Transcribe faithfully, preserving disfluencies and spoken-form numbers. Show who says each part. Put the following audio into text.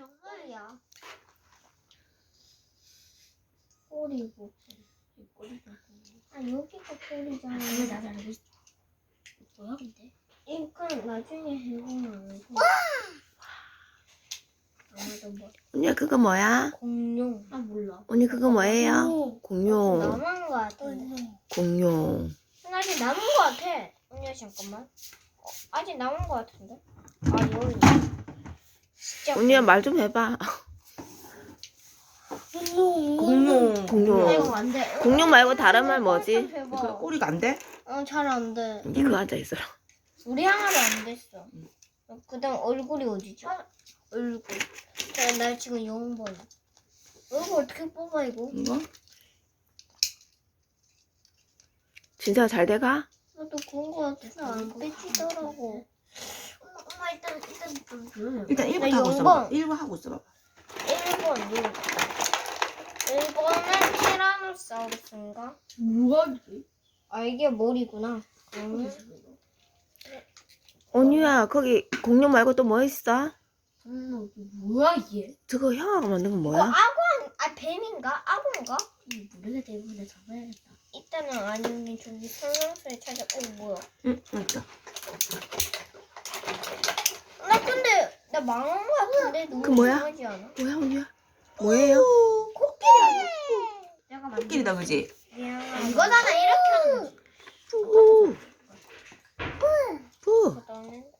Speaker 1: 정말이야. 꼬리고. 꼬리고. 아 여기가 꼬리잖아.
Speaker 2: 왜 나도 알고 있어? 뭐야 근데?
Speaker 1: 이건 나중에 해보면 알고. 아마도 뭐.
Speaker 3: 언니야 그거 뭐야?
Speaker 1: 공룡.
Speaker 2: 아 몰라.
Speaker 3: 언니 그거 뭐예요? 공룡.
Speaker 1: 남은 거 같아.
Speaker 3: 공룡.
Speaker 1: 아직 남은 거 같아. 언니야 잠깐만. 어, 아직 남은 거 같은데? 아 여기. 진짜.
Speaker 3: 언니야 말 좀 해봐.
Speaker 4: 공룡.
Speaker 3: 공룡.
Speaker 1: 아이고 안 돼.
Speaker 3: 공룡 말고 다른 말 뭐지?
Speaker 4: 그 꼬리가 안 돼?
Speaker 1: 어잘 안 돼.
Speaker 3: 언니 그거 앉아 있어라.
Speaker 1: 우리 항아리 안 됐어. 그다음 얼굴이 어디지? 얼굴. 나, 나 지금 영 번. 얼굴 어떻게 뽑아 이거?
Speaker 4: 이거?
Speaker 3: 진짜 잘 돼가?
Speaker 1: 나도 그런 거 같은데 안 빼지더라고. 엄마, 엄마 일단 일단 좀 조용히.
Speaker 4: 일단 일 번
Speaker 1: 나
Speaker 4: 하고
Speaker 1: 영
Speaker 4: 있어봐.
Speaker 1: 번.
Speaker 4: 일 번 하고 있어봐.
Speaker 1: 일 번 누구? 일 번은 티라노사우루스인가?
Speaker 2: 뭐야 이게?
Speaker 1: 아 이게 머리구나. 음.
Speaker 3: 언니야 거기 공룡 말고 또 뭐 있어?
Speaker 2: 음, 뭐야 이게?
Speaker 3: 저거 형아가 만든 건
Speaker 1: 이거
Speaker 3: 뭐야?
Speaker 1: 악어 아 뱀인가? 악어인가?
Speaker 2: 이 모르겠다 이거 내가 잡아야겠다.
Speaker 1: 이따는 아니면 저기 설명서에 찾아. 어 뭐야?
Speaker 4: 응, 맞다.
Speaker 1: 나 근데 나 망한 거 같은데 너무
Speaker 3: 그 뭐야?
Speaker 1: 이상하지 않아?
Speaker 3: 뭐야 언니야? 뭐예요?
Speaker 1: 코끼리.
Speaker 2: 내가 만든
Speaker 4: 코끼리다 그지?
Speaker 1: 미안하다.
Speaker 2: 이거잖아 이렇게 하는 거지.
Speaker 3: 푸. 푸.
Speaker 1: 그다음에